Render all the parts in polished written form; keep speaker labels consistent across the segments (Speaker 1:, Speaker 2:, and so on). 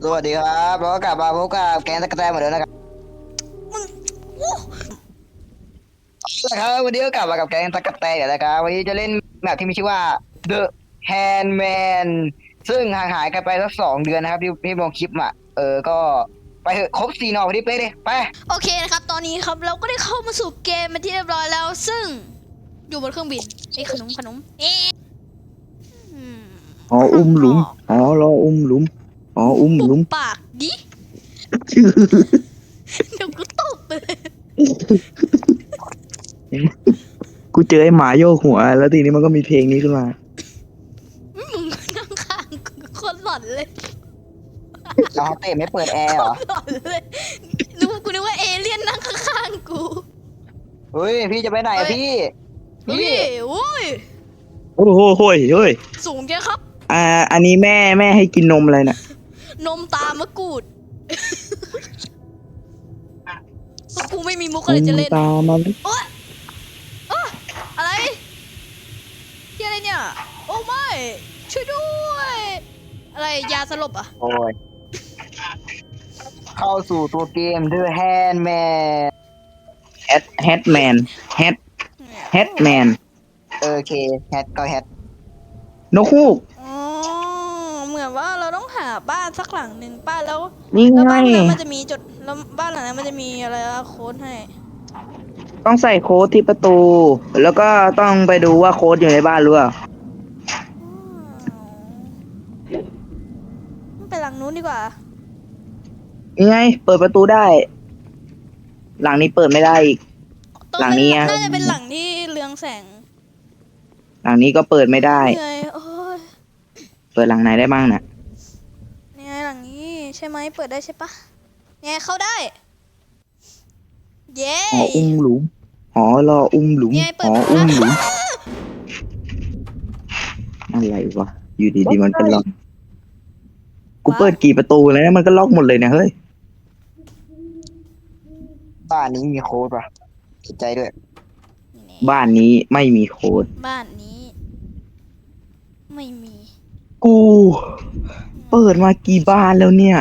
Speaker 1: สวัสดีครับแล้วก็กลับมาพบกับแกงตะกะแตนเหมือนเดิมนะครับ
Speaker 2: มึงโอ้
Speaker 1: นะครับวันนี้ก็กลับมากับแกงตะกะแตนกันนะครับวันนี้จะเล่นแมปที่มีชื่อว่า The Handman ซึ่งห่างหายกันไปสัก2 เดือนนะครับที่ลงคลิปมาก็ไปเถอะครบ4 หน่อพอดีเป๊ะเลยไป
Speaker 2: โอเคนะครับตอนนี้ครับเราก็ได้เข้ามาสู่เกมเป็นที่เรียบร้อยแล้ว ซึ่งอยู่บนเครื่องบินไอ้ขนมอืม
Speaker 3: อ๋ออุ้มหลุมอ๋อรออุ้มหลุมอ๋ออุ้มหลุม
Speaker 2: ปากดิเดี๋ยวกูตบไปเลย
Speaker 3: กูเจอไอ้หมาโยกหัวแล้วทีนี้มันก็มีเพลงนี้ขึ้นมา
Speaker 2: มึงนั่งข้างกูโคนหลอนเลย
Speaker 1: เราเต้ไม่เปิดแอร์เหรอ
Speaker 2: หลอนเลยกูนึกว่าเอเลี่ยนนั่งข้างๆกู
Speaker 1: เฮ้ยพี่จะไปไหนอะพี่
Speaker 2: พี่โอ้ย
Speaker 3: โอ้โหโห้ยเฮ้ย
Speaker 2: สูงจังครับ
Speaker 3: อันนี้แม่ให้กินนมอะไรน่ะ
Speaker 2: นมตามะกรูดพวกกูไม่มีมุกอะไรจะเล่น
Speaker 3: ตามัน
Speaker 2: โอ๊ยอะไรที่อะไรเนี่ย โอ้ไม่ช่วยด้วย อะไรยาสลบอ่ะ
Speaker 1: โอ้ยเข้าสู่ตัวเกม The Handman
Speaker 3: แฮทแมนแฮทแมน
Speaker 1: โอเคแฮทก็แฮท
Speaker 3: นกฮูก
Speaker 2: อ๋อเหมือนว่าเราต้องหาบ้านสักหลังหนึ่งป้าแล้ว
Speaker 3: นี่
Speaker 2: แล้ว
Speaker 3: ไง
Speaker 2: บ้านนั้นมันจะมีจุดแล้วบ้านหลังนั้นมันจะมีอะไรอะโค้ดให้
Speaker 3: ต้องใส่โค้ดที่ประตู แล้วก็ต้องไปดูว่าโค้ดอยู่ในบ้านหรือเปล่า
Speaker 2: ไปหลังนู้นดีกว่า
Speaker 3: นี่ไงเปิดประตูได้ หลังนี้เปิดไม่ได้อีก หลังนี้อะ
Speaker 2: น่าจะเป็นหลังที่เรืองแสง
Speaker 3: หลังนี้ก็เปิดไม่ได้
Speaker 2: เหนื่อยโอ้ย
Speaker 3: เปิดหลังไหนได้บ้างน่ะ
Speaker 2: เนี่ยหลังนี้ใช่ไหมเปิดได้ใช่ปะเนี่ยเข้าได้ เย้
Speaker 3: หออุ้มหลุมหอรออุ้มหลุม
Speaker 2: เนี่ยเปิ
Speaker 3: ห
Speaker 2: ด
Speaker 3: อ
Speaker 2: มา
Speaker 3: อุ้มหลุม
Speaker 2: แล้ว
Speaker 3: อะไรวะ อยู่ดีๆมันก็ล็อก กูเปิดกี่ประตูแล้วนะมันก็ล็อกหมดเลยนะเฮ้ย
Speaker 1: บ้านนี้มีโค้ดป่ะสนใจด้วย
Speaker 3: บ้านนี้ไม่มีโค้ด
Speaker 2: บ้านนี้ ไม่มี
Speaker 3: กู เปิดมากี่บ้านแล้วเนี่ย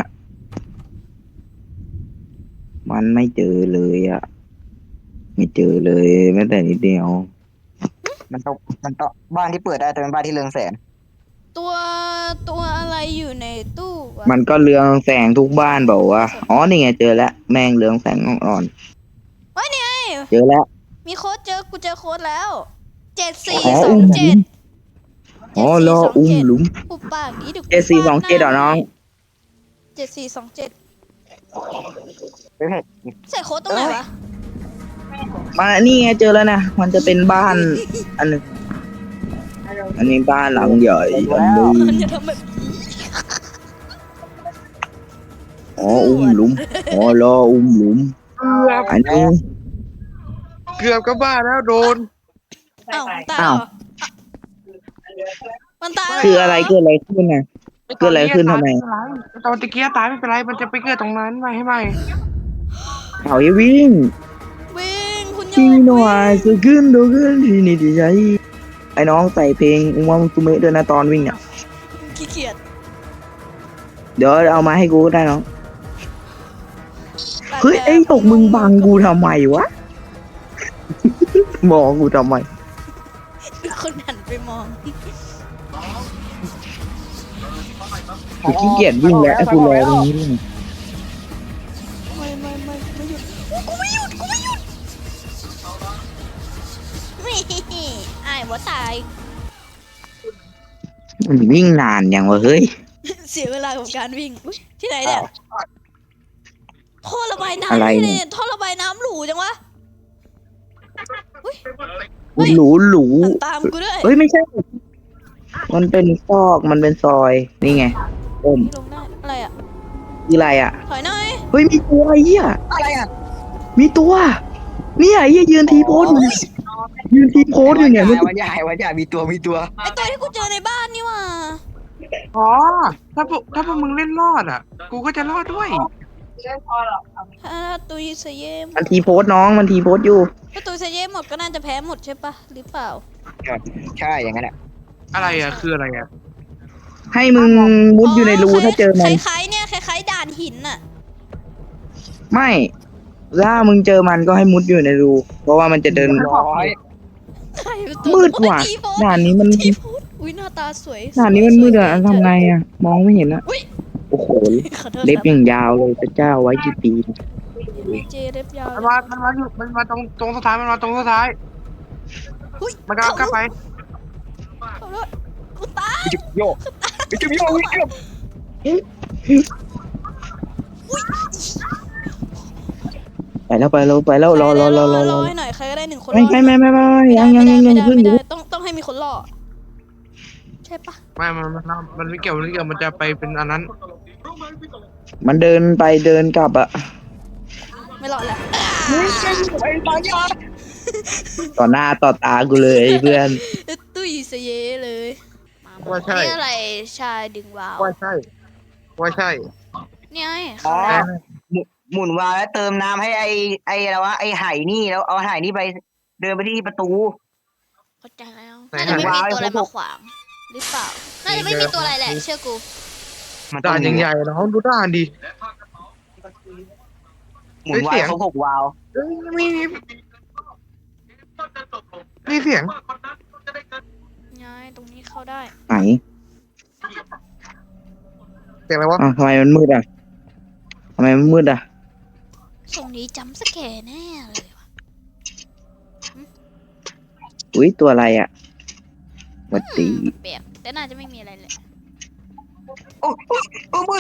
Speaker 3: มันไม่เจอเลยอะไม่เจอเลยแม้แต่นิดเดียว
Speaker 1: มันต้องบ้านที่เปิดได้แต่เป็นบ้านที่เรืองแสง
Speaker 2: ตัวอะไรอยู่ในตู้วะ
Speaker 3: มันก็เรืองแสงทุกบ้านบอกว่าอ๋อนี่ไงเจอแล้วแม่งเรืองแสงอ่อน
Speaker 2: เฮ้ยนี่ไง
Speaker 3: ๆเจอแล้ว
Speaker 2: มีโค้ดกูเจอโค้ดแล้ว
Speaker 3: อ๋ออุ้มหลุม
Speaker 2: 7427
Speaker 3: อ๋อรออุ้มหลุม
Speaker 2: ปุบปากนี้เดี๋ยวกู
Speaker 3: 7427เหรอน้อง
Speaker 2: 7427
Speaker 1: เฮ้ย
Speaker 2: ใส่โค้ดตรงไหนวะ
Speaker 3: มานี่ไงเจอแล้วนะมันจะเป็นบ้านอันหนึงอันนี้บ้านหลังใหญ่อันนี้
Speaker 2: มันจะทำแบบนี้
Speaker 3: อ๋ออุ้มหลุมอ๋อรออุ้มหลุม อันนี้
Speaker 4: เกือบก็บ้าแล้วโดน
Speaker 2: อ้าวตายเหรอมันตายเห
Speaker 3: คืออะไรเกิดอะไรขึ้นน่ะ เกิดอะไรขึ้นทำไม
Speaker 4: ตอนตะเกียตายไม่เป็นไรมันจะไปเกิดตรงนั้นไม่ให้ไหม
Speaker 3: เอาอย่าวิ่ง
Speaker 2: วิ่งคุณโย
Speaker 3: ที่
Speaker 2: ก
Speaker 3: หน่อ
Speaker 2: วิ่
Speaker 3: ย
Speaker 2: ง
Speaker 3: จะขึ้นโดขึ้นที่นี่ที่ใจไอ้น้องใส่เพลงอุมามุตุเมะด้วยนะตอนวิ่งอ่ะ
Speaker 2: ขี้เกียจ
Speaker 3: เดี๋ยวเอามาให้กูก็ได้น้องเฮ้ยไอ้ตกมึงบังกูทำไมวะ มองกูทำไม
Speaker 2: คนหันไปมอง
Speaker 3: กูขี้เกียจวิ่งแล้วไอ้กูรอตรงนี้ด้วย
Speaker 2: ไม่หยุดกูไม่หยุดนี่ไอ้หัวตาย
Speaker 3: มันวิ่งนานอย่างวะเฮ้ย
Speaker 2: เสียเวลากับการวิ่งอุ๊ยที่ไหนเนี่ยท่อระบายน้ำ
Speaker 3: อะไร
Speaker 2: ที่ไหน
Speaker 3: เนี่ย
Speaker 2: เนี่ยท่อระบายน้ำหรูจังวะ
Speaker 3: หรูหรู
Speaker 2: หันตามกูด้วย
Speaker 3: เฮ้ยไม่ใช่ มันเป็นซอกมันเป็นซอยนี่ไงโอม
Speaker 2: ลงได้อะไรอ่ะ
Speaker 3: คืออะไรอ่ะ
Speaker 2: ถอยหน่อย
Speaker 3: เฮ้ยมีตัวไอ้เหี้ย
Speaker 1: อะไรอ่ะ
Speaker 3: มีตัวเนี่ยไอ้เหี้ยยืนทีโพสอยู่เนี่ยยืนทีโพสอยู่เนี่ยมัน
Speaker 1: วันใหญ่มีตัว
Speaker 2: ไอตัวที่กูเจอในบ้านนี่หว่า
Speaker 4: อ๋อถ้าพวกมึงเล่นรอดอ่ะ กูก็จะรอดด้วย
Speaker 2: ถ้าตุยเซเยม
Speaker 3: มันทีโพสน้องมันทีโพสอยู่
Speaker 2: ถ้าตุยเซเยมหมดก็น่าจะแพ้หมดใช่ปะหรือเปล่า
Speaker 1: ใช่อย่างนั้นแหละ
Speaker 4: อะไรอ่ะคืออะไรอ่ะ
Speaker 3: ให้มึงมุดอยู่ในรูถ้าเจอมัน
Speaker 2: คล้ายๆเนี่ยคล้ายหินน่ะ
Speaker 3: ไม่ถ้ามึงเจอมันก็ให้มุดอยู่ในรูเพราะว่ามันจะเดิน
Speaker 1: ร้อย
Speaker 2: ใครเป็นตัว
Speaker 3: มืดว่ะ
Speaker 2: ทีโพส
Speaker 3: ด่านนี้มัน
Speaker 2: ทีโพสอุ้ยหน้าตาสวย
Speaker 3: ด่านนี้มัน
Speaker 2: สวย
Speaker 3: มืด
Speaker 2: สวย
Speaker 3: อะทำไงอะมองไม่เห็นอะ
Speaker 2: อุ้ย
Speaker 3: โอ้โห
Speaker 2: ขอโทษ
Speaker 3: เล็บ
Speaker 2: ครับ
Speaker 3: อย่างยาวเลยพระเจ้าไว้กี่ปี
Speaker 2: มีเจเล็บยาว
Speaker 4: มันมาตรงสุดท้ายมันมาตรงสุดท้าย
Speaker 2: อุ้ย
Speaker 4: มันกำลังกลับไป
Speaker 2: ขอโทษกูตาย
Speaker 1: จุบโยกจุบโยกวิ่งเกือบ
Speaker 3: ไปแล้วรอ
Speaker 2: ให้หน่อยใครก็ได้หนึ่งคน
Speaker 3: ไม่
Speaker 2: รอ
Speaker 3: ไม่ยังเพิ่ง
Speaker 2: ไม่
Speaker 3: อยู่
Speaker 2: ได้ต้องให้มีคนรอใช่ปะ
Speaker 4: มันไม่เกี่ยวมันจะไปเป็นอันนั้น
Speaker 3: มันเดินไปเดินกลับอะ
Speaker 2: ไม่รอแล้ว
Speaker 1: ไอ้ตายยา
Speaker 3: ต่อหน้าต่อตากูเลยเพื่อน
Speaker 2: ตุ้ยเสยเลย
Speaker 4: ว่าใช่
Speaker 2: นี่อะไรชายดึงวาว
Speaker 4: ว่าใช่
Speaker 2: เนี่ย
Speaker 1: อ๋อ
Speaker 2: เขา
Speaker 1: หมุนวาล์วแล้วเติมน้ำให้ไอ้อะไรวะไอ้ไหนี่แล้วเอาไหนี่ไปเดินไปที่ประตู
Speaker 2: เข้าใจแล้วน่าจะไม่มีตัวอะไรมาขวางหรือเปล่าน่าจะไม่มีตัวอะไรแหละเชื่อกู
Speaker 1: มัน
Speaker 4: ด่านใหญ่ๆน้องดูด่านดิ
Speaker 1: หมุนวาล์วเขา6 วาล์ว
Speaker 4: เอ้ยมีเสียง
Speaker 2: ง่ายตรงนี้เข้าได้
Speaker 3: ไหน
Speaker 4: เสียงอะไรวะ
Speaker 3: อ้าวทำไมมันมืดอะ
Speaker 2: ตรงนี้จำสแกนแน่เลยว่ะ
Speaker 3: อุ้ยตัวอะไรอะหวัดดี
Speaker 2: แปลกแต่น่าจะไม่มีอะไรเลย
Speaker 1: โอ้มืด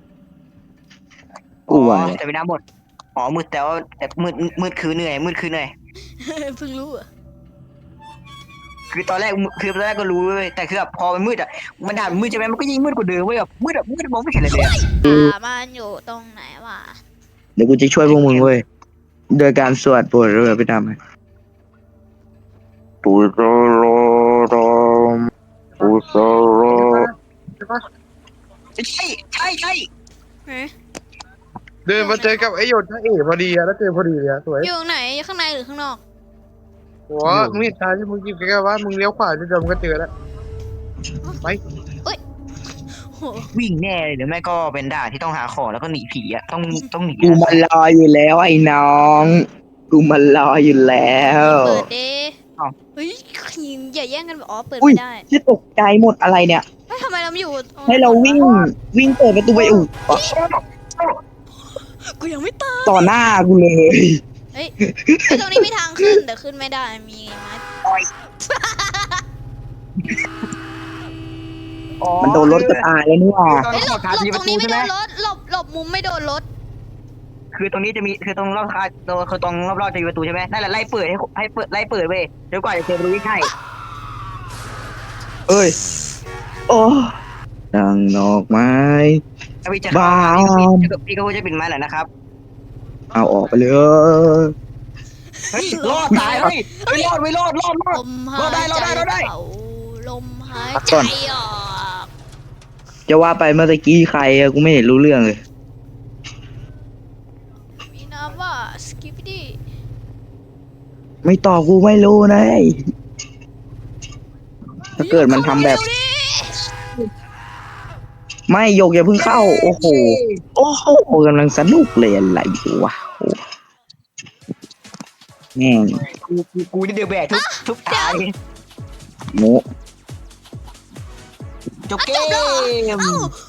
Speaker 3: กูว่า
Speaker 1: แต่ไม่น้ำหมดอ๋อมืดแต่ว่าแต่มืดคือเหนื่อยมืดคือเหนื่อย
Speaker 2: เพิ่งรู้อ่ะ
Speaker 1: คือตอนแรกก็รู้เว้ยแต่คือแบบพอมันมืดอ่ะมันด่ามันมืดใช่ไหมมันก็ยิ่งมืดกว่าเดิมเว้ยแบบมืดมองไม่เห็นอะไรเลยอะ
Speaker 2: มันอยู่ตรงไหนวะ
Speaker 3: เดี๋ยวกูจะช่วยพวกมึงเว้ยโดยการสวดบทเรือไปทำให้ปุโรโรโรมปุโรโร
Speaker 1: ใช่
Speaker 2: เฮ้ย
Speaker 4: เดินมาเจอกับไอ้หยดนะเอ๋พอดีอะแล้วเจอพอดีเลยอะสวย
Speaker 2: อยู่ไหนอยู่ข้างในหรือข้างนอก
Speaker 4: หัวมึงเห็นทางที่มึงกินแกว่ามึงเลี้ยวขวาจะเดินก็เจอแล้วไป
Speaker 2: โห
Speaker 1: วิ่งแน่เลยหรือไม่ก็เป็นด่านที่ต้องหาของแล้วก็หนีผีอ่ะต้องหนี
Speaker 3: กูมันรออยู่แล้วไอ้น้องกูมันรออยู่แล้ว
Speaker 2: เปิดดิเฮ้ยอย่าแย่งกันอ๋อเปิด
Speaker 3: อุ้ย
Speaker 2: ไม่ได้
Speaker 3: ที่ตกใจหมดอะไรเนี่ย
Speaker 2: เฮ้ยทำไมเราไม่อยู่
Speaker 3: ให้เราวิ่งเปิดประตูไปอุด
Speaker 2: กูยังไม่ตาย
Speaker 3: ต่อหน้ากูเลย
Speaker 2: เฮ้ยตรงนี้มีทางขึ้นแต่ขึ้นไม่ได้มีไม้
Speaker 3: มันโดนรถก็ตายแล้วนี่หว่า
Speaker 1: ตอน
Speaker 2: เฮ้ยหล
Speaker 1: ขอบ ขาดี
Speaker 2: ต
Speaker 1: ป
Speaker 2: รง
Speaker 1: ระตู
Speaker 2: นี้ไม่
Speaker 1: ใช่
Speaker 2: โด
Speaker 1: ไหม
Speaker 2: นรถหลบมุมไม่โดนรถ
Speaker 1: คือตรงนี้จะมีคือตรงรอบคาคือตรงรอบๆจะมีประตูใช่ไหมนั่นแหละไล่เปิดให้เปิดไล่เปิดเว้ยเดี๋ยวกว่าจะเจอประตูที่ใช่
Speaker 3: เอ้ยโอ้ดังดอกไม้
Speaker 1: ถ้าพี่จะ
Speaker 3: บ้า
Speaker 1: พี่ก็จะปิดไม้แหละนะครับ
Speaker 3: เอาออกไปเลย
Speaker 1: เฮ้ยรอดตายเฮ้ยรอด
Speaker 2: ลมหายใจ
Speaker 1: รอได้
Speaker 2: เข้าลมหายใจออก
Speaker 3: จะว่าไปเมื่อตะกี้ใครอะกูไม่เห็นรู้เรื่องเลย
Speaker 2: มีน้ำว่าสกิปปี้
Speaker 3: ไม่ตอบกูไม่รู้นะไอ้ถ้าเกิดมันทำแบบ ไม่โยกอย่าเพิ่งเข้า โอ้โหกำลังสนุกเลยอะไรอยู่วะโอ้แม่ง
Speaker 1: กูนี่เดือแบกทุกตาย
Speaker 3: โม
Speaker 1: จบเกม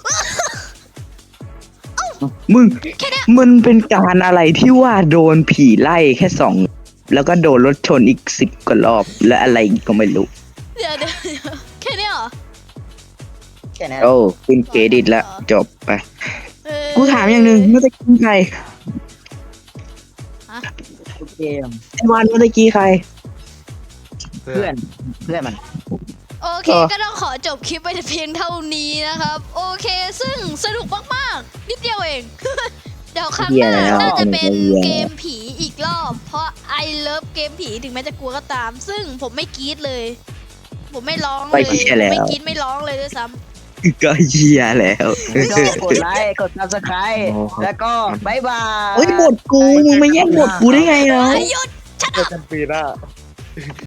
Speaker 3: มึงมันเป็นการอะไรที่ว่าโดนผีไล่แค่2แล้วก็โดนรถชนอีก10กว่ารอบและอะไรอีกก็ไม่รู้
Speaker 2: เดี๋ยวแค่นี้เหรอ
Speaker 1: แค่นั้น
Speaker 3: โอ้ขึ้นเครดิตแล้วจบไป
Speaker 2: เออ
Speaker 3: กูถามอย่างหนึ่งเมื่อตะกี้ใคร
Speaker 1: จบเกม
Speaker 3: ไอ้วันเมื่อตะกี้ใคร
Speaker 1: เพื่อนมัน
Speaker 2: โอเคก็ต้องขอจบคลิปไปแต่เพียงเท่านี้นะครับ โอเคซึ่งสนุกมากๆนิดเดียวเอง เดี๋ยวครั้งหน้าน่าจะเป็นเกมผีอีกรอบ เพราะ I love เกมผีถึงแม้จะกลัวก็ตาม ซึ่งผมไม่กรี๊ดเลย ผมไม่ร้องเลยไม่กรี๊ดไม่ร้องเลยด้วยซ้ำ
Speaker 3: ก็เหี้ยแล้ว
Speaker 1: กดไลค์กด subscribe แล้วก็บายบาย
Speaker 3: เฮ้ยบทกูมึงมาแย่งบทกูได้ไงเนาะ
Speaker 2: หยุด
Speaker 4: เจอกันปีหน้า